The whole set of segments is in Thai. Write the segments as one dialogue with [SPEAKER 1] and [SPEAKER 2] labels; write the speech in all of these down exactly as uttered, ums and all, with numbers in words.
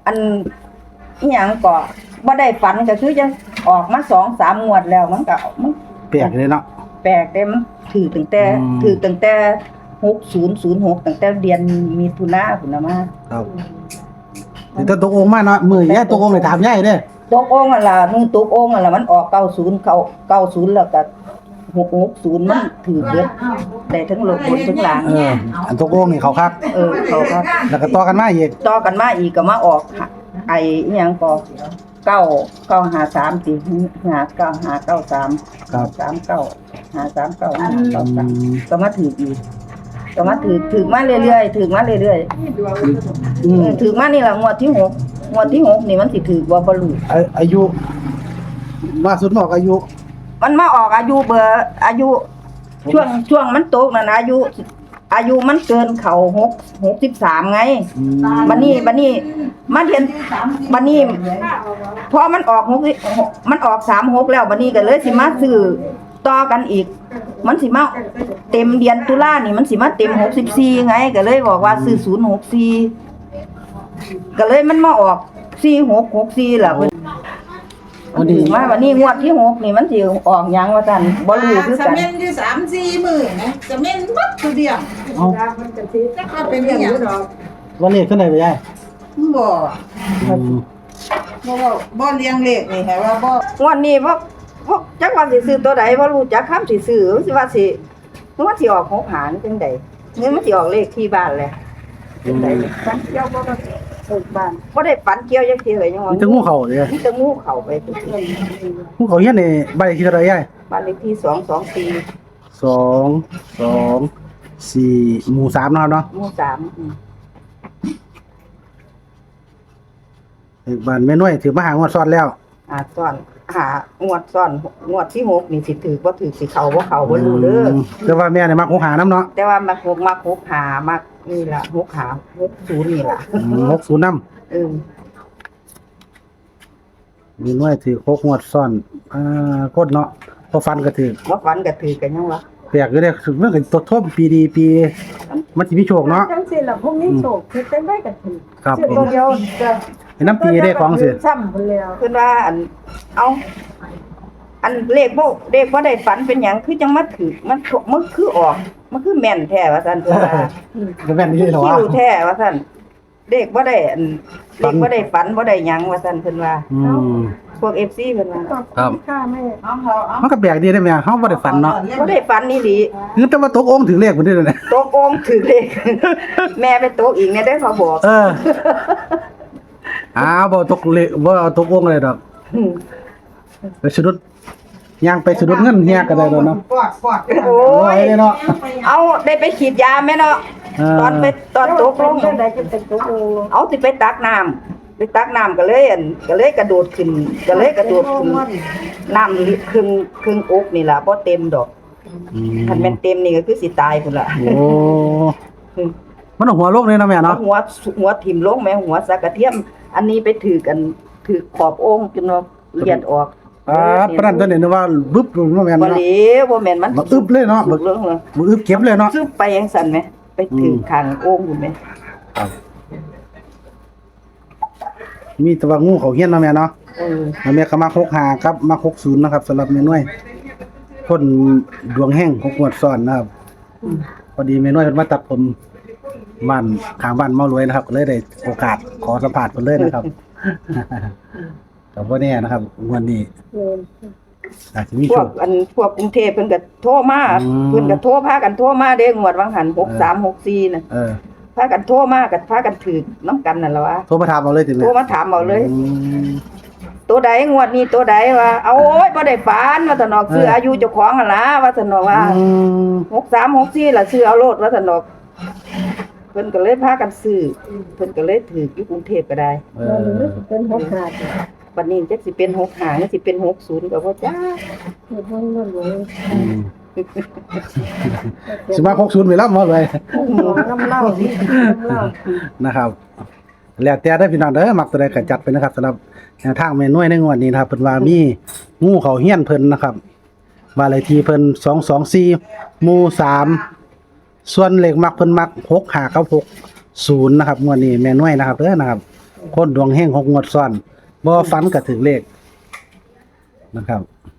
[SPEAKER 1] อันอีหยังก็บ่ได้ฝันก็คือจังออกมา สองสาม งวดแล้วมันก็มัน
[SPEAKER 2] แปลกเลยเนาะ
[SPEAKER 1] แปลกเด้มันถือตั้งแต่ถือตั้งแต่หกศูนย์ศูนย์หกตั้งแต่เดือนมิถุนาพุ่นน่ะมา
[SPEAKER 2] ครับแต่ตกองค์มาเนาะมื้อยายตกองค์ได้ถามยายเด้อ
[SPEAKER 1] ตกองค์นั่นล่ะมือตกองค์นั่นล่ะมันออกเก้าสิบเข้าเก้าสิบแล้วก็หกหกศูนย์มันถือเบิดได้ทั้งโลกบนทั้งล่าง
[SPEAKER 2] เอออันตกองค์นี่เขาคัก
[SPEAKER 1] เออเขาครับ
[SPEAKER 2] แล้วก็ต่อกันมาอีก
[SPEAKER 1] ต่อกันมาอีกก็มาออกไอ้อีหยังก็เก้า เก้าห้าสามสิห้า เก้า ห้า เก้า สาม
[SPEAKER 2] ครับ
[SPEAKER 1] สาม เก้า ห้า สาม เก้า ห้า เก้า สามก็มาถืออีกก็มาถือถือมาเรื่อยๆถือมาเรื่อยๆอืมถือมานี่ล่ะงวดที่หกงวดที่หกนี่มันสิถือบ่บ่รู้
[SPEAKER 2] อายุว่าสุดบอกอายุ
[SPEAKER 1] มันมาออกอายุเบอร์อายุช่วงช่วงมันตกนั่นอายุอายุมันเกินเขาหก หกสิบสามไงบัดนี้บัดนี้มาเรียนบัดนี้พอมันออกหกมันออกสามหกแล้วบัดนี้ก็เลยสิมาซื้อต่อกันอีกมันสิมาเต็มเดือนตุลานี่มันสิมาเต็มหกสิบสี่ไงก็เลยบอกว่าซื้อศูนย์หกสี่ก็เลยมันมาออกสี่หกหกสี่ล่ะเพิ่นวันนี้มาวันนี้งวดที่หกนี่มันสิออกหยังว่าซั่นบ่รู้คือกัน
[SPEAKER 3] จะเม่นอยู่ สามสี่ มื้อนะจะเม่นบัดคือเดียว
[SPEAKER 2] เอ้า
[SPEAKER 3] ก็เป็นอีหยังดอก
[SPEAKER 2] ว่าเลขขึ้นได้บ่ยาย
[SPEAKER 3] บ่บ่บ่เลี้ยงเลขนี่ให้ว่าบ่
[SPEAKER 1] งวดนี้พวกพวกจักว่าสิซื้อตัวใดบ่รู้จักคำสิซื้อสิว่าสิมันสิออกหกหารจังได๋นี่มันสิออกเลขที่บ้านแหละจังได๋ฝันเกี่ยวบ่ได้เอิ้นบ้านบ่ได้ฝันเกี่ยวจักทีเลยยังว่า
[SPEAKER 2] มีแต่งูเข้าเด้
[SPEAKER 1] มีแต่งูเข้าไปทุกที
[SPEAKER 2] งูเข้าเฮียนนี่บ้านเลขที่เท่าไหร่ยาย
[SPEAKER 1] บ้านเลขที่สองสองสี่
[SPEAKER 2] สอง สอง สี่ หมู่สามเนาะเนาะ
[SPEAKER 1] หมู่สามอื
[SPEAKER 2] มบ้านแม่น้อยถือมาหางวดซ้อนแล้ว
[SPEAKER 1] อ่าซ้อนหางวดซ้อนงวดที่หกนี่สิถือบ่ถือสิเข้าบ่เข้าบ่รู้เด้อ
[SPEAKER 2] แต่ว่าแม่นี่มักหกหานำเนาะ
[SPEAKER 1] แต่ว่ามักหกมักหกหามักนี่ล่ะหกหาหกศูนย์นี่ล่ะ
[SPEAKER 2] หกศูนย์นำ
[SPEAKER 1] เออ
[SPEAKER 2] มีน้อยถือหกงวดซ้อนอ่าโคตรเนาะพอฟันก็ถือ
[SPEAKER 1] บ่ฟันก็ถือกันยังวะ
[SPEAKER 2] แปลกอยู่เด้เรื่องก็ตดทบปีดีปีมันสิมีโชคเนาะ
[SPEAKER 1] จังซี่ล่ะพวกนี้โชคเฮ็ดจังได๋ก็ถือ
[SPEAKER 2] ครับ
[SPEAKER 1] ผมเดียวก็
[SPEAKER 2] ให้น้ำปีได้ของสิ
[SPEAKER 1] ซ้ำเพิ่นแล้วเพิ่นว่าอันเอาอันเลขบ่เลขบ่ได้ฝันเป็นหยังคือจังมาถือมันมันคือออกมันคือแม่นแท้ว่าซั่นเพิ่นว่า
[SPEAKER 2] แม่นนี่เหรอวะ
[SPEAKER 1] คิวแท้ว่าซั่นเลขบ่ได้อันเลขบ่ได้ฝันบ่ได้หยังว่าซั่นเพิ่นว่า
[SPEAKER 2] อืม
[SPEAKER 1] พวก เอฟ ซี เพิ่นว่า
[SPEAKER 2] ครับ
[SPEAKER 1] ค่ะแม่เอาเอา
[SPEAKER 2] มันก็แปลกดีได้แม่เฮาบ่ได้ฝันเนาะ
[SPEAKER 1] บ่ได้ฝันนี่ดิ
[SPEAKER 2] คือแต่ว่าตกองค์ถึงเลขพุ่นนี่แหละ
[SPEAKER 1] ตกองค์ถึงเลขแม่ไปตกอีกเนี่ยได้เขาบอก
[SPEAKER 2] เอออ้าวบ่ตกเลขบ่เอาตกองค์เลยดอกไปสะดุดย่างไปสะดุดเงินเฮียก็ได้ดอกเนาะ
[SPEAKER 1] โอ้ยเนาะเอาได้ไปฉีดยาแม่เนาะตอนไปตอนตกลงได้จะไปตกเอาสิไปตักน้ำไปตักน้ำก็เลยอันก็เลยกระโดดขึ้นก็เลยกระโดดขึ้นน้ำครึ่งครึ่งอกนี่ล่ะบ่เต็มดอกคันแม่นเต็มนี่ก็คือสิตายพุ่นล่ะ
[SPEAKER 2] โอ้มันหัวโลกเลยเนาะแม่เนาะ
[SPEAKER 1] หัวหัวถิ่มลงแม่หัวสักกระเทียมอันนี้ไปถือกันถือขอบองค์จนเนาะเลียดออก
[SPEAKER 2] อ่าปานนั้นตัวนี้นึกว่าบึ๊บบ่แม่น
[SPEAKER 1] เนาะบ่เหลวบ่แม่นมัน
[SPEAKER 2] อึบเลยเนาะบึกเรื่องเลยบ่อึบเก็บเลยเนาะ
[SPEAKER 1] ซึบไปจังซั่นแหมไปถือข้างองค์อยู่แม่
[SPEAKER 2] ครับมีแต่ว่างูเขาเฮียนเนาะแม่เนาะ
[SPEAKER 1] เออ
[SPEAKER 2] แม่ก็มาหกห้าครับมาหกศูนย์นะครับสำหรับแม่น้อยคนดวงแห้งของงวดซ้อนนะครับพอดีแม่น้อยเพิ่นมาตัดผมบ้านข้างบ้านเมารวยนะครับก็เลยได้โอกาสขอสัมภาษณ์เพิ่นเลยนะครับก็บ่แน่นะครับวันนี้อาจจะมี
[SPEAKER 1] พวกอันพวกกรุงเทพเพิ่นก็โทรมาเพิ่นก็โทรพากันโทรมาเด้งวดวังหันหกสาม หกสี่น่ะเออพากันโทรมาก็พากันถือนำกันนั่นล่ะวะ
[SPEAKER 2] โทรมาถามเอาเลยติแม่
[SPEAKER 1] โทรมาถามเอาเลยตัวใดงวดนี้ตัวใดว่าเอาโอ้ยบ่ได้ฝันว่าซั่นเนาะซื้ออายุเจ้าของหั่นล่ะว่าซั่นเนาะว่าหกสาม หกสี่ล่ะซื้อเอาโลดว่าซั่นเนาะเพิ่นก็เลยพากันซื้อเพิ่นก็เลยถืออยู่กรุงเทพก็ได้
[SPEAKER 2] เออ
[SPEAKER 1] เป็นหกห้าบัดนี้จักสิเป็นหกห้าหรือสิเป็นหกศูนย์ก็บ่จ้าเฮ็ดบ่เงินเลย
[SPEAKER 2] สิมาหกศูนย์ไปแล้วมาเลย
[SPEAKER 1] น้ำเล่าน้ำเล่า
[SPEAKER 2] นะครับแล้วแต่ได้พี่น้องเด้อมักตัวใดก็จัดไปนะครับสำหรับแนวทางแม่น้อยในงวดนี้นะครับเพิ่นว่ามีงูเขาเฮียนเพิ่นนะครับบ้านเลขที่เพิ่นสองสองสี่หมู่สามส่วนเลขมักเพิ่นมักหกห้ากับหกศูนย์นะครับงวดนี้แม่น้อยนะครับเด้อนะครับคนดวงเฮงหกงวดซ้อนบ่ฝันก็ถึงเลขนะครับ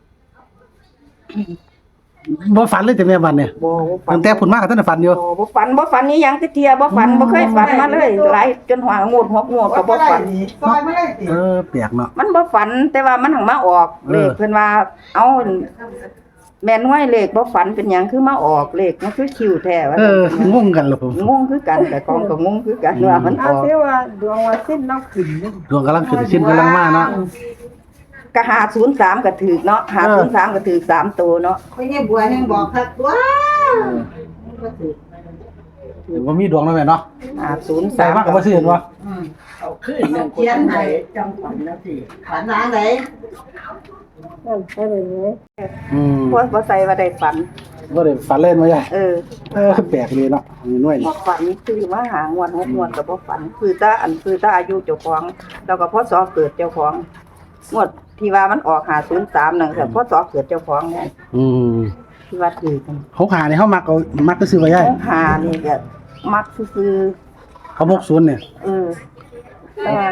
[SPEAKER 2] บ่ฝันเลยแต่แม่บัดเนี่ย
[SPEAKER 1] บ่บ่ฝัน
[SPEAKER 2] ตั้งแต่พุ่นมาก็ทันได้ฝันอยู่
[SPEAKER 1] บ่บ่ฝันบ่ฝันนี่ยังคือเที่ยบ่ฝันบ่เคยฝันมาเลยหลายจนหัวงูดหัวงูดก็บ่ฝัน
[SPEAKER 3] ซอยไม่ได้ติ
[SPEAKER 2] เออแปลกเนาะ
[SPEAKER 1] มันบ่ฝันแต่ว่ามันหังมาออก
[SPEAKER 2] เออ
[SPEAKER 1] เลขเพิ่นว่าเอาแม่นวยเลขบ่ฝันเป็นหยังคือมาออกเลขมันคือคิวแท้ว่า
[SPEAKER 2] เอองงกันล่ะผม
[SPEAKER 1] งงคือกันแต่ของก็งงคือกันว่ามันอ
[SPEAKER 3] เอา
[SPEAKER 1] อก
[SPEAKER 3] เสียว่าดวงว่าสิ้นเราขึ้นนี่
[SPEAKER 2] ดวงกำลังขึ้นชิ้นกำลังมาเนาะ
[SPEAKER 1] ก็ห้าศูนย์สามก็ถูกเนาะห้าศูนย์สามก็ถูกสามตัวเนาะ
[SPEAKER 3] ไม่ใช่บัวแห่งบอกคักว้า
[SPEAKER 2] เดี๋ยวว่ามีดวงแล้วแม่เนาะ
[SPEAKER 1] ห้าศูนย์
[SPEAKER 2] ใส่
[SPEAKER 1] สาม
[SPEAKER 2] มากก็บ่ซื้อเห็นบ่
[SPEAKER 3] อืม
[SPEAKER 4] เอาขึ้นหนึ่ง
[SPEAKER 3] เขียนให้
[SPEAKER 4] จำฝันนะสิ
[SPEAKER 3] ฝันหลังไหน
[SPEAKER 2] อืม
[SPEAKER 1] บ่บ่ใส่ว่าได้ฝัน
[SPEAKER 2] บ่ได้ฝันเล่นมาใหญ่
[SPEAKER 1] เออ
[SPEAKER 2] เออแปลกเลยเนาะมีหน่วย
[SPEAKER 1] บ่
[SPEAKER 2] นี่
[SPEAKER 1] ฝันคือว่าหางวดหกงวดก็บ่ฝันคือตาอันคือตาอายุเจ้าของแล้วก็พศเกิดเจ้าของงวดที่ว่ามันออกห้าศูนย์สามนั่นก็พศเกิดเจ้าของไง
[SPEAKER 2] อืม
[SPEAKER 1] ที่ว่าถือกัน
[SPEAKER 2] เขาหานี่เฮามักเอามักก็ซื้อไว้ใหญ่
[SPEAKER 1] ของหานี่ก็มักซื่อ
[SPEAKER 2] เขาหกสิบเนี่ย
[SPEAKER 1] ๆเออแต่ว่า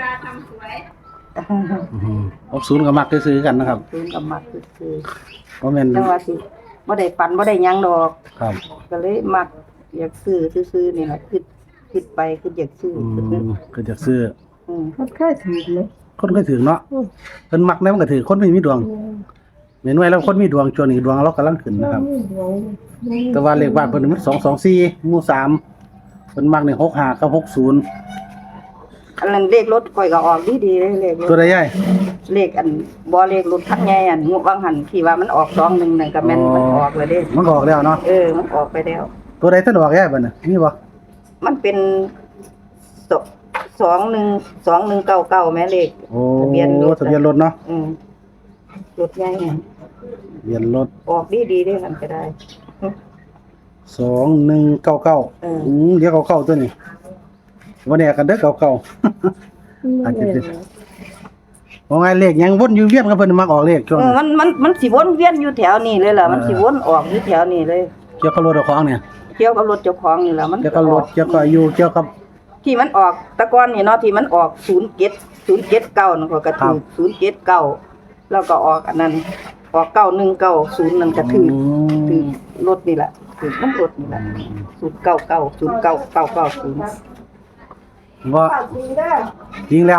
[SPEAKER 2] อืมหกสิบก็มักซื้อกันนะครับ
[SPEAKER 1] ซื้อกับมักซื่อ
[SPEAKER 2] บ่แม่น
[SPEAKER 1] ๆแต่ว่าสิบ่ได้ฝันบ่ได้หยังดอก
[SPEAKER 2] ครับ
[SPEAKER 1] ก็เลยมักอยากซื้อซื่อๆนี่ล่ะคิดคิดไปคิดอยากซื้อ
[SPEAKER 2] อื
[SPEAKER 1] ซื่อ
[SPEAKER 2] มก็จะซื้อ
[SPEAKER 1] ๆอืม
[SPEAKER 3] มันเคยถือเลย
[SPEAKER 2] คนก็ถือเนาะเพิ่นมักแล้วมันก็ถือคนไม่มีดวงแม่นไว้แล้วคนมีดวงช่วงนี้ดวงเรากำลังขึ้นนะครับ แต่ว่าเลขบ้านเพิ่นมันสองสองสี่หมู่สามเพิ่นมักนี่หกห้ากับหกศูนย์
[SPEAKER 1] อันนั้นเลขรถข่อยก็ออกดีๆเลยเลขร
[SPEAKER 2] ตัว
[SPEAKER 1] ถ
[SPEAKER 2] ใดใหญ่
[SPEAKER 1] เลขอันบ่เลขรถคันใหญ่อันงวดบางหันที่ว่ามันออกสองหนึ่งนั่นก็แม่นมันออกแล้วเด้
[SPEAKER 2] มันก็ออกแล้วเนาะ
[SPEAKER 1] เออมันออกไปแล้ว
[SPEAKER 2] ตัวใดท่านออกใหญ่บัดน่ะมีบ่
[SPEAKER 1] มันเป็นสสองหนึ่งสองหนึ่งเก้าเก้าแม่เลข
[SPEAKER 2] โอ้
[SPEAKER 1] ทะเบียนรถ
[SPEAKER 2] ทะเบียนรถเนาะ
[SPEAKER 1] อืมรถใหญ่ไง
[SPEAKER 2] ทะเบียนรถ
[SPEAKER 1] ออกดีดีๆได้มันก็ได้
[SPEAKER 2] สองหนึ่งเก้าเก้า
[SPEAKER 1] เออ
[SPEAKER 2] อืมเดี๋ยวเก้าเก้าตัวนี้วันนี้กันเด้อเก้าเก้าอาจจะเป็นว่าไงเลขยังวนอยู่เวียนกับเพิ่นมักออกเลขช่วง
[SPEAKER 1] เออมันมันมันสิวนเวียนอยู่แถวนี้เลยล่ะมันสิวนออกอยู่แถวนี้เลย
[SPEAKER 2] เกี่ยวกับรถเอาของเนี่ย
[SPEAKER 1] เกี่ยวกับรถเจ้าของนี่ล่ะมัน
[SPEAKER 2] เกี่ยวกับรถเกี่ยวกับอายุเกี่ยวกับ
[SPEAKER 1] ที่มันออกแตะกอนนี่เนาะที่มันออกศูนย์เจ็ดศูนย์เจ็ดเก้านั่นก็กระ
[SPEAKER 2] ครั
[SPEAKER 1] ถื
[SPEAKER 2] บ
[SPEAKER 1] อศูนย์เจ็ดเก้าแล้วก็ออกอันนั้นออกเก้าหนึ่งเก้าศูนย์นั่นก็ถือถือรถนี่แหละถือน้ำรถนี่แหละศูนย์เก้าเก้าศูนย์เก้าเก้าเก้าศูนย์
[SPEAKER 2] ว่าจริงแล้ว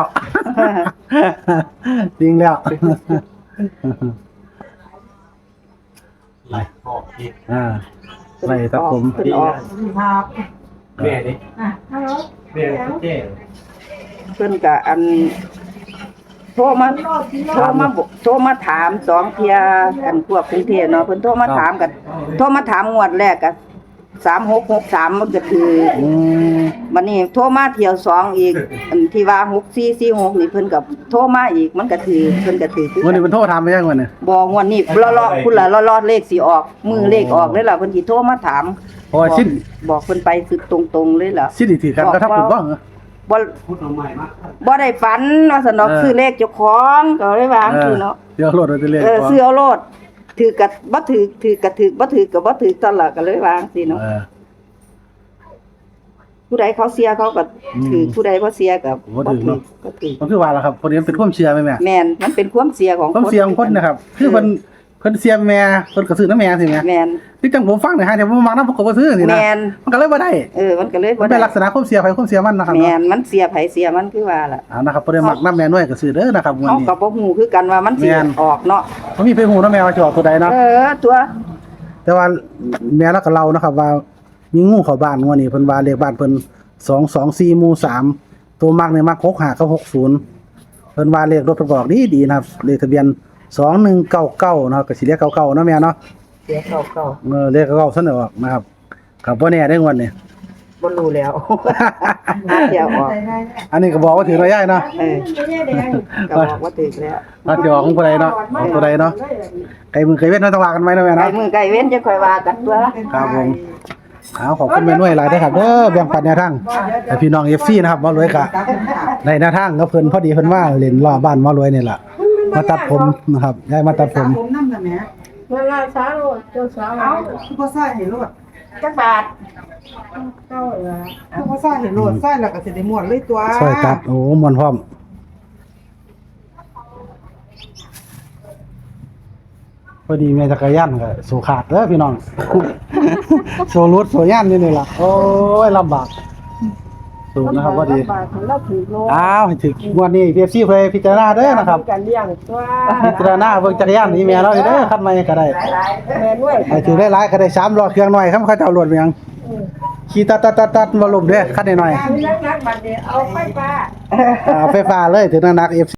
[SPEAKER 2] จริงแล้วไปอ่าไปครับผม
[SPEAKER 1] เพิ่นออก
[SPEAKER 3] ครับ
[SPEAKER 4] แม่ดิ
[SPEAKER 3] อ่ะฮัลโหล
[SPEAKER 4] แม่เจ๊
[SPEAKER 1] เพิ่นก็อันโทรมาโทรมาบอกโทรมาถามสองเที่ยอันพวกกรุงเทพเนาะเพิ่นโทรมาถามกันโทรมาถามงวดแรกก็สามหกหกสามมันก็คือ
[SPEAKER 2] อืม
[SPEAKER 1] บัดนี้โทรมาเที่ยวสองอีก อันที่ว่าหกสี่สี่หกนี่เพิ่นก็โทรมาอีกมันก็ถือเพิ่นก็ถือคือ
[SPEAKER 2] วันนี้มันโทรถามไปยังวันเนี่ย
[SPEAKER 1] บ่งวดนี้รอๆพุ่นล่ะรอๆเลขสิออก มือเลขออกเลยล่ะเพิ่นสิโทรมาถาม
[SPEAKER 2] เพราะว่าสิ้น
[SPEAKER 1] บอกเพิ่นไปคือตรงๆเลยล่ะ
[SPEAKER 2] สิ้นอีกทีกันก็ทับคุณบ้างเหรอ
[SPEAKER 1] บ่
[SPEAKER 4] พูดทำไมมาก
[SPEAKER 1] บ่ได้ฝันว่าสนอก
[SPEAKER 2] เออ
[SPEAKER 1] ซื้อเลขเจ้าของก็เลยวาจังซี่เนาะ
[SPEAKER 2] เดี๋ยวรถเราจะเรียก
[SPEAKER 1] เออซื้อเอาโลดถือกับบ่ถือถือกับถือบ่ถือกับบ่ถือตลอดก็เลยวาจังซี่เนาะ
[SPEAKER 2] เออ
[SPEAKER 1] ผู้ใดเขาเสียเขาก็ถือ
[SPEAKER 2] อืม
[SPEAKER 1] ผู้ใดบ่เสียก็
[SPEAKER 2] บ่ถือเนาะ
[SPEAKER 1] ก็ถือ
[SPEAKER 2] มันคือว่าล่ะครับคนนี้มันเป็นความเชื่อไหมแม่
[SPEAKER 1] แม่นมันเป็นความเสียของ
[SPEAKER 2] ความเชื่อของคนนะครับ คือเพิ่นเพิ่นเสียแม่เพิ่นก็ซื้อน้ำแม่สิแม่
[SPEAKER 1] แม่น
[SPEAKER 2] ที่จังผมฟังเนี่ยฮะเดี๋ยวผมมักนำผมก็บ่ซื้อสินะ
[SPEAKER 1] แม่น
[SPEAKER 2] มันก็เลยบ่ได้
[SPEAKER 1] เออมันก็เลย
[SPEAKER 2] มั
[SPEAKER 1] บ่
[SPEAKER 2] นเป็น
[SPEAKER 1] ได้
[SPEAKER 2] ลักษณะความเสียไผความเสียมันนะครับ
[SPEAKER 1] แม่
[SPEAKER 2] เนาะ
[SPEAKER 1] นมันเสียไผเสียมันคือว่าล่ะ
[SPEAKER 2] เอานะครับบ่ได้มักน้ำแม่น้อยก็ซื้อเด้อนะครับวัน
[SPEAKER 1] เฮา
[SPEAKER 2] นี้
[SPEAKER 1] ก็บ่ฮู้คือกันว่ามันสิ
[SPEAKER 2] แม่น
[SPEAKER 1] ออกเนาะ
[SPEAKER 2] บ่มีไปฮู้น้ำแม่ว่าจะออกตัวใดเนาะ
[SPEAKER 1] เออตัว
[SPEAKER 2] แต่ว่าแม่เราก็เล่านะครับว่ามีงูเข้าบ้านงวดนี้เพิ่นว่าเลขบ้านเพิ่นสองสองสี่หมู่สามตัวมักเนี่ยมักหกห้ากับหกศูนย์เพิ่นว่าเลขรถประกอบดีดีๆนะครับเลขทะเบียนสองหนึ่งเก้าเก้านะครับก็สิเรียกเก้าเก้าเนาะแม่เนาะ
[SPEAKER 1] เสียเก่า
[SPEAKER 2] เออเลขเก้าเก้าซั่นออกนะครับครับบ่แน่ได้งวดนี้
[SPEAKER 1] ๆบ่รู้แล้ว เสียออก
[SPEAKER 2] อันนี้ก็บอกว่าถือระยะเนาะ
[SPEAKER 1] เออก็บอกว่าถึกแล้ว
[SPEAKER 2] ว่าสิออกของผู้ใดเนาะออกตัวใดเนาะไกลมือไกลเว้นเนาะต้องว่ากันไว้เนาะแม่
[SPEAKER 1] ไก่
[SPEAKER 2] เนาะ
[SPEAKER 1] มือไก่เว้นจะค่อยว่ากันตัว
[SPEAKER 2] ครับผมเอาขอบคุณแม่น้อยหลายเด้อครับเด้อแบ่งปันแนวทางให้พี่น้อง เอฟ ซี นะครับมารวยกะในแนวทางก็เพิ่นพอดีเพิ่นว่าเล่นรอบบ้านมารวยนี่ล่ะมาตัดผมนะครับยายมาตัดผม
[SPEAKER 3] ผมนำน่ะแม่
[SPEAKER 4] เวลาช้าโลดเจ้าสาว
[SPEAKER 3] เอาคือบ่ใส่ให้รถ
[SPEAKER 1] จักบาทเก้าเหรอ
[SPEAKER 3] เพราะว่าซ่าเห็นโหลดซ่าแล้วก็สิได้ม่วนเลยตัว
[SPEAKER 2] ซอยตัดโอ้มวนพร้อมพอดีแม่จักรยานก็สู่ขาดเด้อพี่น้อง โซรุดโซย่านนี่นี่ล่ะโอ้ยลำบากสูนะครับพอดี
[SPEAKER 1] บาทของเราถือโล
[SPEAKER 2] อ้าวให้ถึงงวดนี้ พี เอฟ ซี เพิ่นพิจารณาเด้อนะครับ
[SPEAKER 1] การเลี้ยงตัว
[SPEAKER 2] พิจารณาเบิ่งจักรยานนี่แม่เราเด้อคันใหม่ก็ได้
[SPEAKER 1] แม่ด้วย
[SPEAKER 2] ให้ถือได้หลายก็ได้สามล้อเครื่องน้อยครับเขาเจ้ารถไปยังขี่ตัดตัดตัดตัดบ่ล้มเด้อคันน้อย
[SPEAKER 1] นักนักบัดนี้เอาไฟฟ้า
[SPEAKER 2] ๆอ่าไฟฟ้าเลยถึงนักๆ เอฟ